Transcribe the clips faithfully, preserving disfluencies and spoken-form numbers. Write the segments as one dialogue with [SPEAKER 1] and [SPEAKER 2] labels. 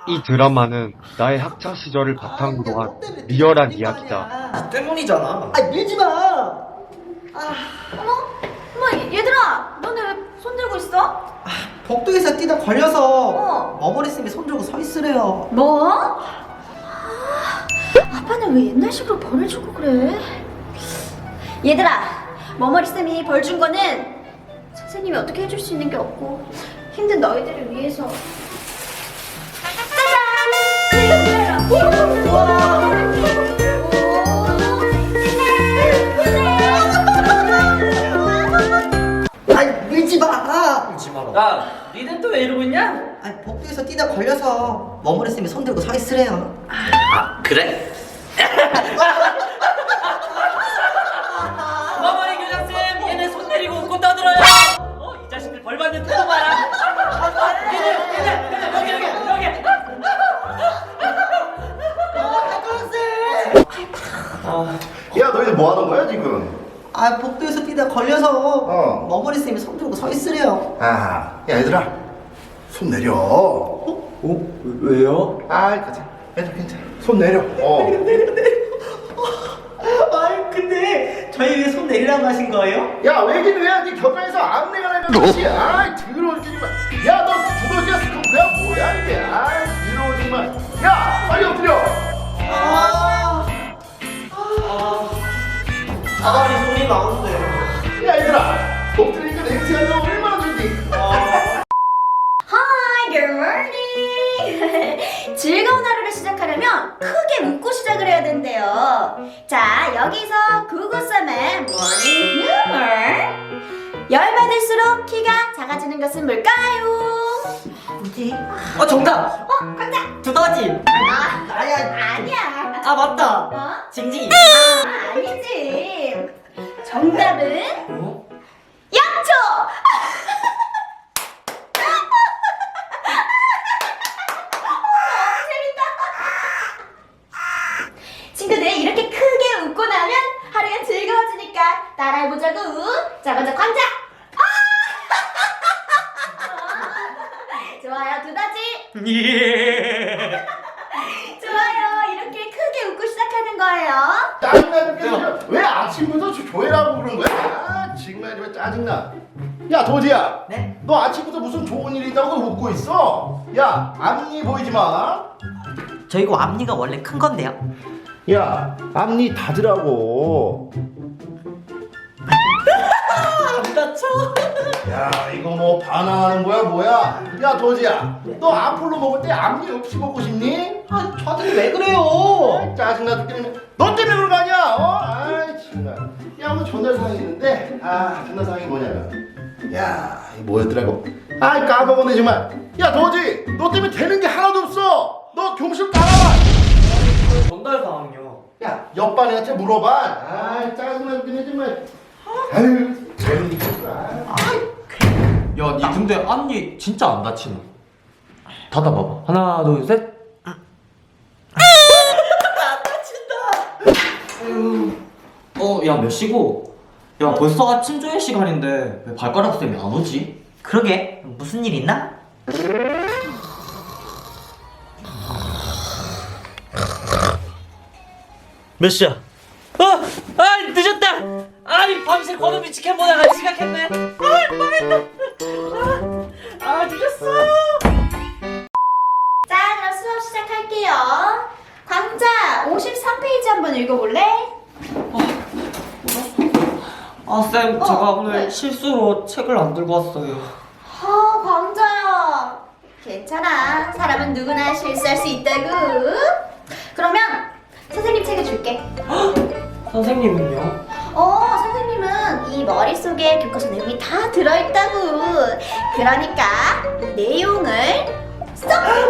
[SPEAKER 1] 이 드라마는 나의 학창 시절을 바탕으로 한 리얼한 이야기다.
[SPEAKER 2] 나 때문이잖아.
[SPEAKER 3] 아 밀지 마.
[SPEAKER 4] 어머? 어머 얘들아 너네 왜 손 들고 있어?
[SPEAKER 3] 복도에서 뛰다 걸려서
[SPEAKER 4] 어.
[SPEAKER 3] 머머리쌤이 손 들고 서 있으래요.
[SPEAKER 4] 뭐? 아, 아빠는 왜 옛날식으로 벌을 주고 그래? 얘들아 머머리쌤이 벌 준 거는 선생님이 어떻게 해줄 수 있는 게 없고 힘든 너희들을 위해서 짜잔! 이거 뭐야?
[SPEAKER 3] 아 밀지 마.
[SPEAKER 2] 울지 마라. 야, 니네 또 왜 이러고 있냐?
[SPEAKER 3] 아 복도에서 뛰다 걸려서 머머리쌤이 손 들고 서 있으래요.
[SPEAKER 2] 아, 그래? 머머리 교장쌤, 얘네 손 내리고 웃고 떠들어요. 어, 이 자식들 벌 받는 태도 봐라. 얘네, 얘네, 얘네, 여기, 여기, 여기. 아,
[SPEAKER 5] 야 너희들 뭐 하는 거야 지금?
[SPEAKER 3] 아 복도에서 뛰다 걸려서
[SPEAKER 5] 어.
[SPEAKER 3] 머머리쌤이 손 들고 서 있으래요.
[SPEAKER 5] 아, 야 얘들아 손 내려. 어?
[SPEAKER 2] 어? 왜요?
[SPEAKER 5] 아, 가자. 얘들 괜찮아. 손 내려. 어.
[SPEAKER 3] 아 근데 저희 왜 손 내리라고 하신 거예요?
[SPEAKER 5] 야 왜긴 왜야? 네 곁가에서 안내가 나는 것이. 아, 더러워 정말. 야, 너 두더지야 스컹크야 뭐야 이게? 아, 더러워 정말. 야, 빨리 엎드려.
[SPEAKER 3] 아, 아가리 소리 나는데.
[SPEAKER 5] 야 얘들아, 엎드리니까 냄새가 나 얼마나 좋지?
[SPEAKER 4] Hi, good morning. 즐거운 하루를 시작하려면 크게 웃고 시작을 해야 된대요. 자, 여기서 구구쌤의 morning humor. 열받을수록 키가 작아지는 것은 뭘까요?
[SPEAKER 3] 뭐지?
[SPEAKER 2] 어, 정답.
[SPEAKER 4] 어, 깜짝.
[SPEAKER 2] 두더지.
[SPEAKER 4] 아,
[SPEAKER 3] 아야.
[SPEAKER 4] 아니야.
[SPEAKER 2] 아, 맞다.
[SPEAKER 4] 어?
[SPEAKER 2] 징징이.
[SPEAKER 4] 아, 아니지. 정답은
[SPEAKER 2] 어?
[SPEAKER 4] 양초. 친구들 이렇게 크게 웃고 나면 하루가 즐거워지니까 따라해보자고. 자 먼저 광자. 좋아요 두더지.
[SPEAKER 2] 예.
[SPEAKER 4] 좋아요 이렇게 크게 웃고 시작하는 거예요.
[SPEAKER 5] 짜증나 죽겠어. 왜 아침부터 조- 조회라고 그러는 거야? 아, 정말 정말 짜증나. 야 도지야.
[SPEAKER 3] 네?
[SPEAKER 5] 너 아침부터 무슨 좋은 일이 있다고 웃고 있어? 야, 앞니 보이지 마.
[SPEAKER 3] 저 이거 앞니가 원래 큰 건데요.
[SPEAKER 5] 야, 앞니 닫으라고.
[SPEAKER 3] 안 다쳐?
[SPEAKER 5] 야, 이거 뭐 반항하는 거야 뭐야? 야 도지야, 너 아폴로 먹을 때 앞니 없이 먹고 싶니?
[SPEAKER 3] 아 저한테 왜 그래요?
[SPEAKER 5] 짜증나 죽겠네. 너 때문에 그런 거 아니야? 어? 아이 정말. 야, 오늘 전달 사항이 있는데, 아, 전달 사항이 뭐냐면, 야, 이게 뭐였더라고? 아이 까먹었네 정말. 야 도지, 너 때문에 되는 게 하나도 없어. 너 교무실 따라와.
[SPEAKER 2] 전달 사항이요.
[SPEAKER 5] 야, 옆반 애한테 물어봐. 아, 짜증나 죽겠네 정말. 아유, 재밌겠다.
[SPEAKER 2] 야, 니 근데 앞니 진짜 안 다치나? 닫아봐봐. 하나, 둘, 셋. 안 다친다. 어, 야, 몇 시고? 야, 벌써 아침 조회 시간인데 왜 발가락 쌤이 안 오지?
[SPEAKER 3] 그러게 무슨 일 있나?
[SPEAKER 2] 몇 시야? 어! 아, 늦었다! 아이, 밤새 권우비 치킨 보다가 지각했네. 아이, 망했다. 아, 아, 늦었어.
[SPEAKER 4] 자 그럼 수업 시작할게요. 광자 오십삼 페이지 한번 읽어볼래?
[SPEAKER 2] 아, 쌤,
[SPEAKER 4] 어,
[SPEAKER 2] 제가 오늘
[SPEAKER 4] 네.
[SPEAKER 2] 실수로 책을 안 들고 왔어요.
[SPEAKER 4] 아 광자야 괜찮아 사람은 누구나 실수할 수 있다고. 그러면 선생님 책을 줄게.
[SPEAKER 2] 선생님은요?
[SPEAKER 4] 어 선생님은 이 머릿속에 교과서 내용이 다 들어있다고. 그러니까 내용을 쏙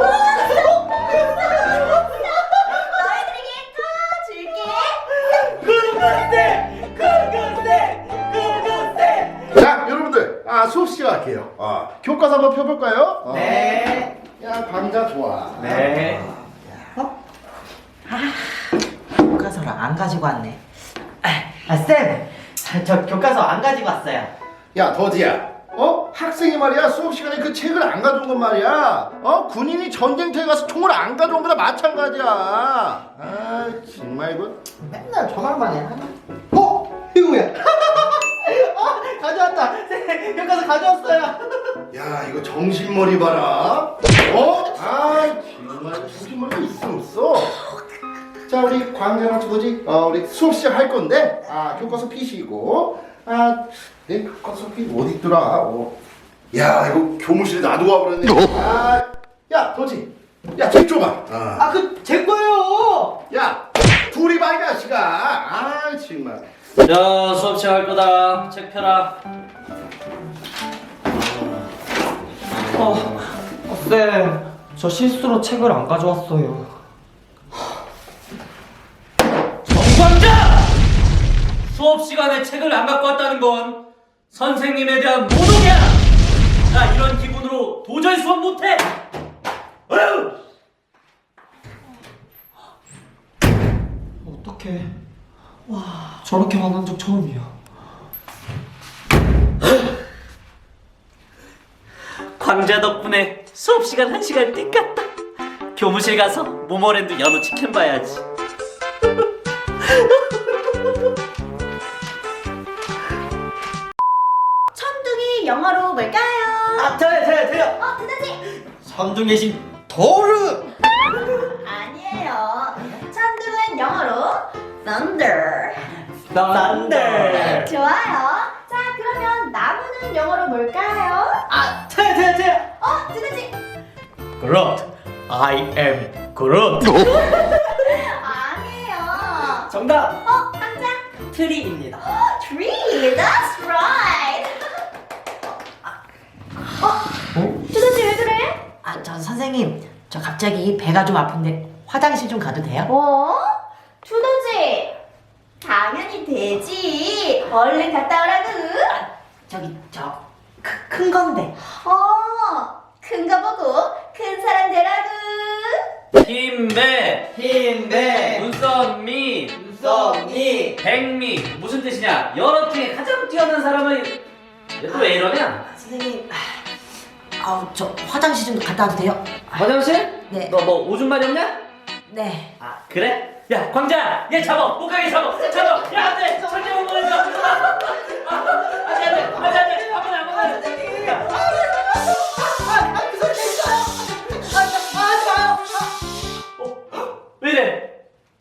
[SPEAKER 4] 너희들에게 다 줄게.
[SPEAKER 2] 그건데! 그건데! 그건데!
[SPEAKER 5] 자, 여러분들, 아 수업 시작할게요. 아, 교과서 한번 펴볼까요? 어.
[SPEAKER 3] 네.
[SPEAKER 5] 야, 강자 좋아.
[SPEAKER 2] 네.
[SPEAKER 3] 교과서를 안 가지고 왔네. 아 쌤, 저 교과서 안 가지고 왔어요.
[SPEAKER 5] 야, 더지야. 어? 학생이 말이야 수업 시간에 그 책을 안 가져온 건 말이야. 어? 군인이 전쟁터에 가서 총을 안 가져온 거나 마찬가지야. 아 정말 이거.
[SPEAKER 3] 맨날 전화만 해. 어? 이거 뭐야? 어, 가져왔다. 네, 여기 가서 가져왔어요.
[SPEAKER 5] 야 이거 정신머리 봐라. 어? 아 정말 정신머리가 있어 없어. 자 우리 광자랑 뭐지? 어 우리 수업 시작할 건데 아 교과서 피시고 아내 교과서 피 어디 있더라? 어. 야 이거 교무실에 놔두고 와버렸네. 아야 도지. 야책 줘봐. 아.
[SPEAKER 3] 아, 그 제 거예요.
[SPEAKER 5] 야 둘이 봐 이 자식아. 아 정말.
[SPEAKER 2] 자, 수업 시작할 거다. 책 펴라.
[SPEAKER 6] 어, 쌤, 저 실수로 책을 안 가져왔어요.
[SPEAKER 2] 정광자! 수업 시간에 책을 안 갖고 왔다는 건 선생님에 대한 모독이야! 나 이런 기분으로 도저히 수업 못해! 어휴!
[SPEAKER 6] 어떡해. 와, 저렇게 화난 적 처음이야.
[SPEAKER 2] 광자 덕분에 수업 시간 한 시간 띵 갔다. 교무실 가서 모모랜드 연어 치킨 봐야지.
[SPEAKER 4] 천둥이 영어로 뭘까요?
[SPEAKER 3] 아, 저요, 저요, 저요.
[SPEAKER 4] 어, 두더지.
[SPEAKER 3] 삼중의 신 도르.
[SPEAKER 4] 아니에요. 천둥은 영어로 thunder.
[SPEAKER 3] thunder.
[SPEAKER 4] 좋아요. 자, 그러면 나무는 영어로 뭘까요?
[SPEAKER 3] 아, 저요, 저요, 저요.
[SPEAKER 4] 어, 두더지.
[SPEAKER 6] 그렇. I am 그렇.
[SPEAKER 4] 아니에요.
[SPEAKER 3] 정답.
[SPEAKER 4] 어, 황자.
[SPEAKER 3] 트리입니다.
[SPEAKER 4] Tree. That's right. 어? 두더지 왜 그래?
[SPEAKER 7] 아, 저 선생님, 저 갑자기 배가 좀 아픈데 화장실 좀 가도 돼요?
[SPEAKER 4] 어? 두더지. 당연히 되지. 얼른 갔다 오라고.
[SPEAKER 7] 저기 저 큰 건데.
[SPEAKER 4] 어, 큰 거 보고 큰 사람 되라고.
[SPEAKER 2] 힘배,
[SPEAKER 3] 힘내.
[SPEAKER 2] 눈썹미,
[SPEAKER 3] 눈썹미.
[SPEAKER 2] 백미 무슨 뜻이냐? 여러 중에 가장 뛰어난 사람은 또 왜 이러냐?
[SPEAKER 7] 선생님, 아우 저 화장실 좀 갔다 와도 돼요?
[SPEAKER 2] 화장실?
[SPEAKER 7] 네.
[SPEAKER 2] 너 뭐 오줌 마이 없냐?
[SPEAKER 7] 네.
[SPEAKER 2] 아 그래? 야 광자 얘 잡아 못 가게 잡아 잡아 야 안돼 절대 못 보내줘 안돼 안돼 안돼 안돼 아무나 아무나 왜 이래?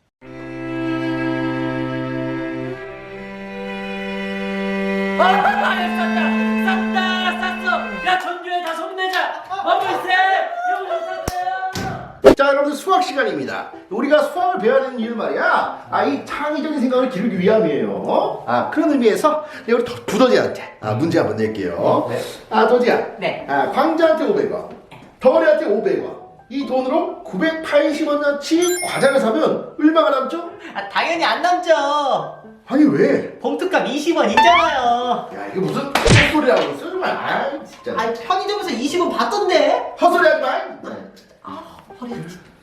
[SPEAKER 2] 아, 쌌다, 쌌다, 쌌어. 야, 전교에 다 손내자. 어물세, 용돈 쌌어요.
[SPEAKER 5] 자 여러분들 수학 시간입니다. 우리가 수학을 배워야 되는 이유 말이야. 아 이 창의적인 생각을 기르기 위함이에요. 아 그런 의미에서 내가 우리 더- 두더지한테 아 문제 한번 낼게요.
[SPEAKER 3] 네.
[SPEAKER 5] 아 도지야.
[SPEAKER 7] 네.
[SPEAKER 5] 아 광자한테 오백 원, 덩어리한테 오백 원. 이 돈으로 구백팔십 원어치 과자를 사면 얼마가 남죠?
[SPEAKER 3] 아, 당연히 안 남죠.
[SPEAKER 5] 아니 왜?
[SPEAKER 3] 봉투값 이십 원 있잖아요.
[SPEAKER 5] 야 이게 무슨 헛소리라고 있어 정말. 아 진짜.
[SPEAKER 3] 아, 편의점에서 이십 원 받던데.
[SPEAKER 5] 헛소리하지 마.
[SPEAKER 7] 허리.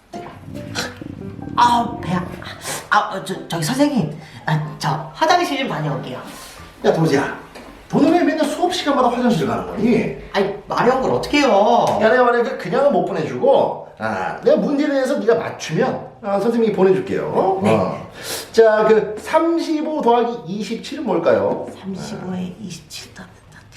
[SPEAKER 7] 아 배야. 아, 어, 저 저기 선생님, 아, 저 화장실 좀 다녀올게요.
[SPEAKER 5] 야 도지야. 너는 왜 맨날 수업 시간마다 화장실 가는 거니?
[SPEAKER 3] 아니, 마려운 걸 어떻게 해요?
[SPEAKER 5] 야 내가 만약에 그냥은 못 보내주고 아 내가 문제에 대해서 네가 맞추면 아, 선생님이 보내줄게요.
[SPEAKER 7] 네.
[SPEAKER 5] 어. 자그 삼십오 더하기 이십칠은 뭘까요?
[SPEAKER 7] 삼십오에 이십칠 더.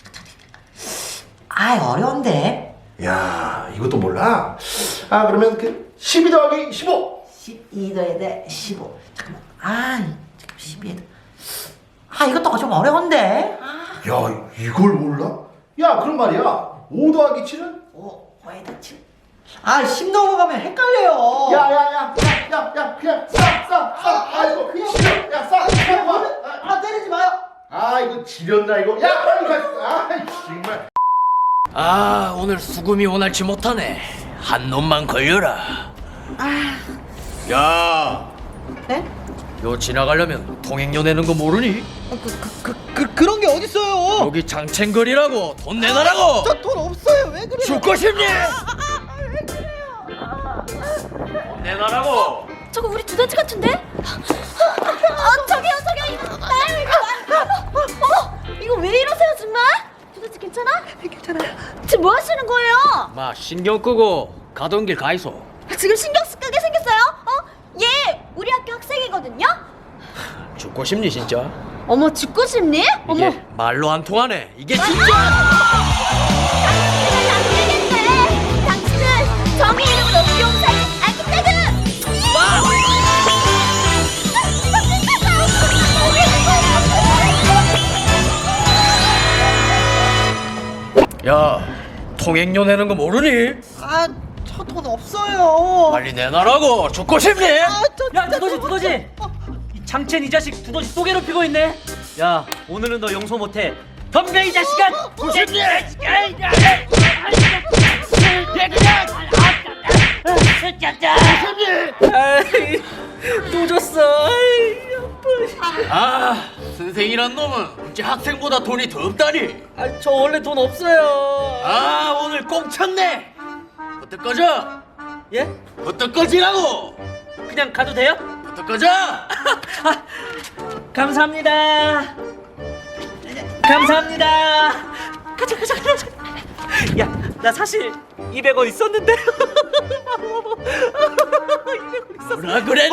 [SPEAKER 7] 아, 어려운데.
[SPEAKER 5] 야 이것도 몰라? 아 그러면 그 십이 더하기 십오.
[SPEAKER 7] 십이 더에다 십오. 잠깐만. 아, 잠깐 십이에 더. 아, 이것도 좀 어려운데. 아,
[SPEAKER 5] 야 이걸 몰라? 야 그럼 말이야 오 더하기 칠은?
[SPEAKER 7] 오, 오에다 칠.
[SPEAKER 3] 아, 십 넘어가면 헷갈려요.
[SPEAKER 5] 야야야야야 그냥 싸싸싸 아이고 그냥 야싸
[SPEAKER 3] 아, 때리지 마요.
[SPEAKER 5] 아 이거 지렸나 이거 야 빨리 가아 정말.
[SPEAKER 8] 아, 오늘 수금이 원활치 못하네. 한 놈만 걸려라. 야,
[SPEAKER 3] 네?
[SPEAKER 8] 요 지나가려면 통행료 내는 거 모르니?
[SPEAKER 3] 그, 그, 그, 그, 그런 게 어딨어요?
[SPEAKER 8] 여기 장첸거리라고 돈 내놔라고.
[SPEAKER 3] 저 돈 없어요. 왜 그래요?
[SPEAKER 8] 죽고 싶니? 돈 내놔라고.
[SPEAKER 4] 저거 우리 두더지 같은데? 어, 저기요, 저기요. 이거, 아, 이거, 어, 어, 이거 왜 이러세요, 정말? 두더지 괜찮아? 괜찮아? 괜찮아요. 지금 뭐 하시는 거예요?
[SPEAKER 8] 마 신경 끄고 가던 길 가이소.
[SPEAKER 4] 지금 신경 쓰게 생겼어요? 어? 얘 우리 학교 학생이거든요?
[SPEAKER 8] 죽고 싶니 진짜?
[SPEAKER 4] 어머 죽고 싶니? 어머
[SPEAKER 8] 이게 말로 안 통하네. 이게 진짜.
[SPEAKER 4] 당신은 안 되겠네. 당신은 정의 이름으로 용사의 아기태그.
[SPEAKER 8] 야 통행료 내는 거 모르니?
[SPEAKER 7] 아, 저 돈 없어요.
[SPEAKER 8] 빨리 내놔라고. 죽고 싶니?
[SPEAKER 2] 야 두더지 두더지 이 장첸 이 자식 두더지 또 괴롭히고 있네. 야 오늘은 너 용서 못해. 덤벼 이 자식아.
[SPEAKER 8] 싶니?
[SPEAKER 2] 아이, 또 졌어. 아이,
[SPEAKER 8] 아 선생이란 놈은 어째 학생보다 돈이 더 없다니.
[SPEAKER 2] 아, 저 원래 돈 없어요.
[SPEAKER 8] 아 오늘 꽁 찼네. 어떡 꺼져?
[SPEAKER 2] 예?
[SPEAKER 8] 어떡 꺼지라고?
[SPEAKER 2] 그냥 가도 돼요?
[SPEAKER 8] 어떡 꺼져?
[SPEAKER 2] 감사합니다. 감사합니다. 가자 가자 가자. 야, 나 사실 이백 원 있었는데. 이백 원 있었어.
[SPEAKER 8] 뭐라 그랬니?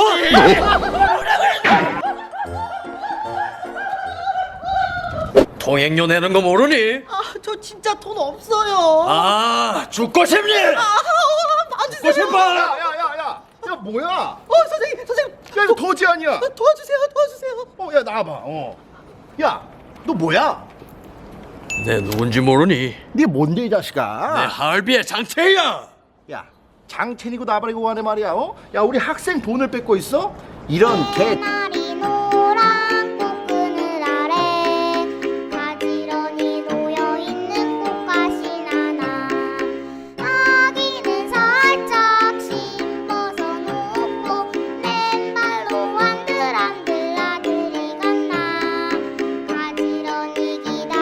[SPEAKER 8] 통행료 내는 거 모르니?
[SPEAKER 7] 아, 저 진짜 돈 없어요.
[SPEAKER 8] 아 죽고 싶니?
[SPEAKER 7] 봐주세요.
[SPEAKER 8] 싶어?
[SPEAKER 5] 야야야야 야 뭐야?
[SPEAKER 7] 어, 선생님, 선생님.
[SPEAKER 5] 야 이거 도지 아니야?
[SPEAKER 7] 도와주세요, 도와주세요.
[SPEAKER 5] 어 야 나와봐. 어. 야 너 뭐야?
[SPEAKER 8] 내 누군지 모르니?
[SPEAKER 5] 네 뭔데 이
[SPEAKER 8] 내
[SPEAKER 5] 자식아?
[SPEAKER 8] 하얼비의 장태야.
[SPEAKER 5] 야 장첸이고 나발이고 하네 말이야. 어? 야 우리 학생 돈을 뺏고 있어? 이런 개.
[SPEAKER 9] 나리 노란 꽃그늘 아래 가지런히 놓여있는 꽃가시 나나 아기는 살짝 씹어서 놓고 맨발로 한들한들 아들이 갔나 가지런히 기다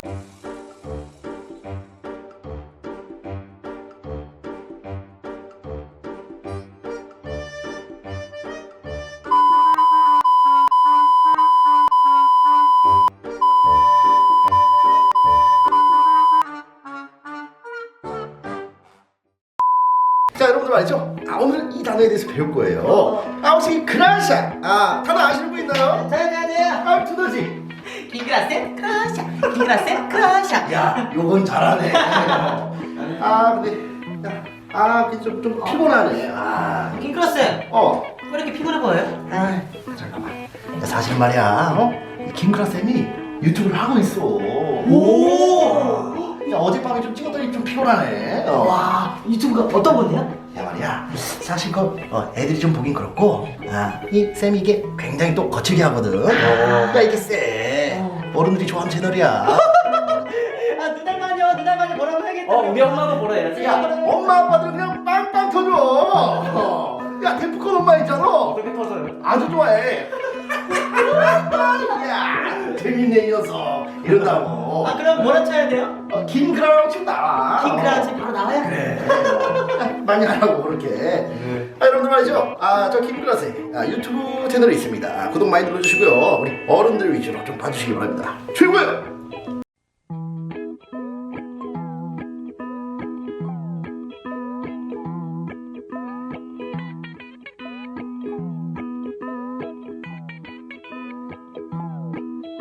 [SPEAKER 5] 자 여러분들 말이죠. 아 오늘 이 단어에 대해서 배울 거예요. 아 혹시 그라샤 아 단어 아시는 분 있나요?
[SPEAKER 7] 저요, 저요, 저요.
[SPEAKER 5] 아 두더지.
[SPEAKER 7] 킹그라세 크라샤, 킹그라세 크라샤.
[SPEAKER 5] 야 요건 잘하네. 아 근데 야, 아 좀 좀 피곤하네. 아
[SPEAKER 7] 킹그라세,
[SPEAKER 5] 어.
[SPEAKER 7] 왜 이렇게 피곤해 보여요?
[SPEAKER 5] 아 잠깐만. 야, 사실 말이야. 어? 이 김크라 쌤이 유튜브를 하고 있어. 오. 야 어젯밤에 좀 찍었더니 좀 피곤하네. 어.
[SPEAKER 7] 와, 유튜브가 어떤 건데요?
[SPEAKER 5] 야 말이야 사실 그 어, 애들이 좀 보긴 그렇고 아, 이 쌤이 이게 굉장히 또 거칠게 하거든. 야 이게 쎄 어른들이 좋아하는 채널이야.
[SPEAKER 7] 아, 누나만요, 누나만요 뭐라고 해야겠다.
[SPEAKER 2] 어, 우리 엄마도 뭐라 해야지?
[SPEAKER 5] 야 엄마 아빠들 그냥 빵빵 터져. 야 데프콘 엄마 있잖아.
[SPEAKER 2] 어떻게 터져요?
[SPEAKER 5] 아주 좋아해. 야 재밌네 이 녀석 이런다고.
[SPEAKER 7] 아, 그럼 뭐라 쳐야 돼요?
[SPEAKER 5] 어, 김크라라고 치면 나와.
[SPEAKER 7] 킹그라
[SPEAKER 5] 어.
[SPEAKER 7] 지금 바로 나와요?
[SPEAKER 5] 그래. 많이 하라고 그렇게. 아, 여러분들 말이죠. 아, 저 김클라스 아, 유튜브 채널이 있습니다. 아, 구독 많이 눌러주시고요. 우리 어른들 위주로 좀 봐주시기 바랍니다. 최고예요.